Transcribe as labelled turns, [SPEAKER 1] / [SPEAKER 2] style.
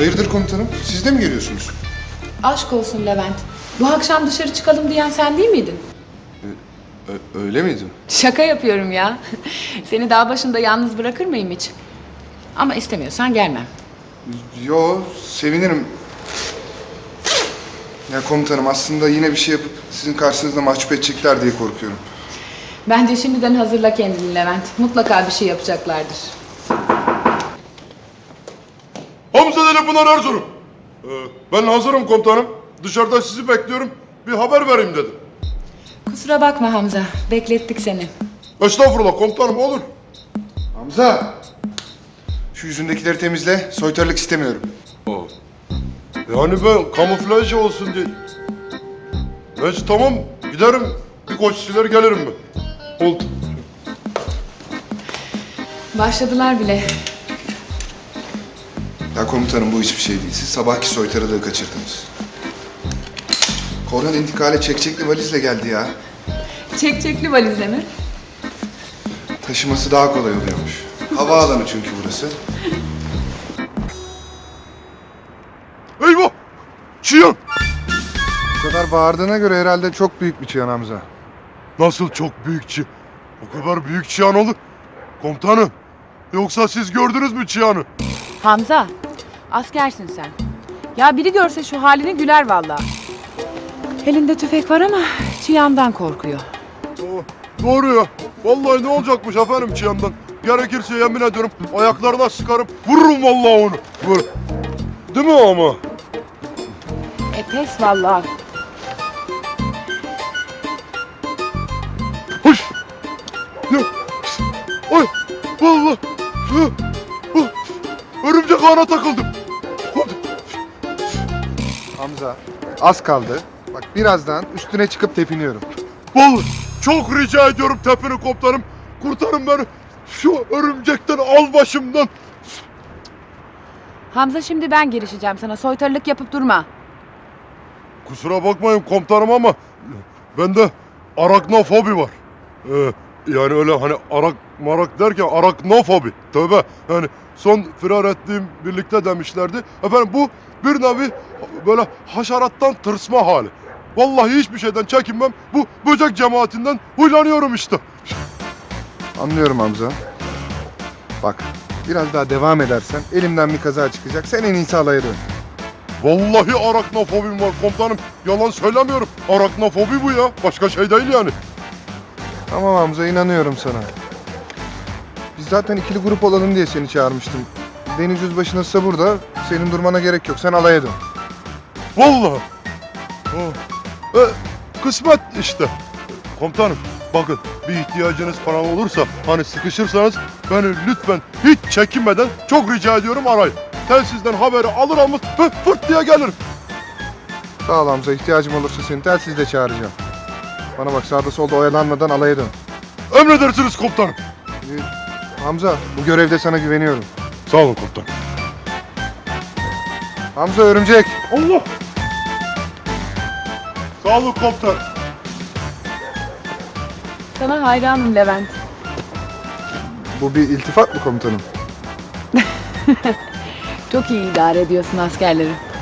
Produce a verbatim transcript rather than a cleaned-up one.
[SPEAKER 1] Hayırdır komutanım? Siz de mi geliyorsunuz?
[SPEAKER 2] Aşk olsun Levent. Bu akşam dışarı çıkalım diyen sen değil miydin?
[SPEAKER 1] Ö- öyle miydi?
[SPEAKER 2] Şaka yapıyorum ya. Seni dağ başında yalnız bırakır mıyım hiç? Ama istemiyorsan gelmem.
[SPEAKER 1] Yo, sevinirim. Ya komutanım aslında yine bir şey yapıp sizin karşınızda mahcup edecekler diye korkuyorum.
[SPEAKER 2] Bence şimdiden hazırla kendini Levent. Mutlaka bir şey yapacaklardır.
[SPEAKER 3] Hamza Deli Pınar Erzurum. Ee, ben hazırım komutanım. Dışarıda sizi bekliyorum. Bir haber vereyim dedim.
[SPEAKER 2] Kusura bakma Hamza. Beklettik seni.
[SPEAKER 3] Estağfurullah komutanım, olur.
[SPEAKER 1] Hamza! Şu yüzündekileri temizle, soytarılık istemiyorum.
[SPEAKER 3] Yani ben kamuflaj olsun diye. Neyse tamam, giderim. Bir koç siler gelirim ben. Oldu.
[SPEAKER 2] Başladılar bile.
[SPEAKER 1] Ya komutanım bu hiçbir şey değil. Siz sabahki soytarılığı kaçırdınız. Korhan intikale çekçekli valizle geldi ya.
[SPEAKER 2] Çekçekli valizle mi?
[SPEAKER 1] Taşıması daha kolay oluyormuş. Havaalanı çünkü burası.
[SPEAKER 3] Eyvah! Çiyan!
[SPEAKER 1] Bu kadar bağırdığına göre herhalde çok büyük bir çiyan Hamza.
[SPEAKER 3] Nasıl çok büyük çi... O kadar büyük çiyan olur. Komutanım, yoksa siz gördünüz mü çiyanı?
[SPEAKER 4] Hamza, askersin sen. Ya biri görse şu halini güler vallahi. Elinde tüfek var ama çıyandan korkuyor.
[SPEAKER 3] Oh, doğru ya. Vallahi ne olacakmış efendim çiyandan. Gerekirse yemin ediyorum ayaklarına sıkarım, vururum vallahi onu. Vur. Değil mi ama?
[SPEAKER 4] E pes vallahi.
[SPEAKER 3] Hoş. Ya. Ay. Vallahi. Ya. Oh, örümcek ağına takıldım.
[SPEAKER 1] Hamza, az kaldı. Bak birazdan üstüne çıkıp tepiniyorum.
[SPEAKER 3] Vallahi çok rica ediyorum tepini komutanım. Kurtarın beni. Şu örümcekten al başımdan.
[SPEAKER 4] Hamza şimdi ben girişeceğim sana. Soytarılık yapıp durma.
[SPEAKER 3] Kusura bakmayın komutanım ama bende araknofobi var. Ee, yani öyle hani arak marak derken araknofobi. Tövbe. Yani son firar ettiğim birlikte demişlerdi. Efendim bu bir nevi böyle haşerattan tırsma hali. Vallahi hiçbir şeyden çekinmem. Bu böcek cemaatinden huylanıyorum işte.
[SPEAKER 1] Anlıyorum Hamza. Bak, biraz daha devam edersen elimden bir kaza çıkacak. Sen en iyisi alaya dön.
[SPEAKER 3] Vallahi araknofobim var komutanım. Yalan söylemiyorum. Araknofobi bu ya. Başka şey değil yani.
[SPEAKER 1] Tamam Hamza, inanıyorum sana. Biz zaten ikili grup olalım diye seni çağırmıştım. Deniz Yüzbaşı nasılsa burada. Senin durmana gerek yok. Sen alaya dön.
[SPEAKER 3] Vallahi. Oh. E, kısmet işte. Komutanım bakın bir ihtiyacınız falan olursa hani sıkışırsanız beni lütfen hiç çekinmeden çok rica ediyorum arayın. Telsizden haberi alır almaz hı, fırt diye gelirim.
[SPEAKER 1] Sağ ol Hamza. İhtiyacım olursa seni telsizle çağıracağım. Bana bak, sağda solda oyalanmadan alaya dön.
[SPEAKER 3] Emredersiniz komutanım.
[SPEAKER 1] Ee, Hamza, bu görevde sana güveniyorum.
[SPEAKER 3] Sağ olun komutanım.
[SPEAKER 1] Hamza, örümcek.
[SPEAKER 3] Allah. Sağ olun komutanım.
[SPEAKER 4] Sana hayranım Levent.
[SPEAKER 1] Bu bir iltifat mı komutanım?
[SPEAKER 4] Çok iyi idare ediyorsun askerleri.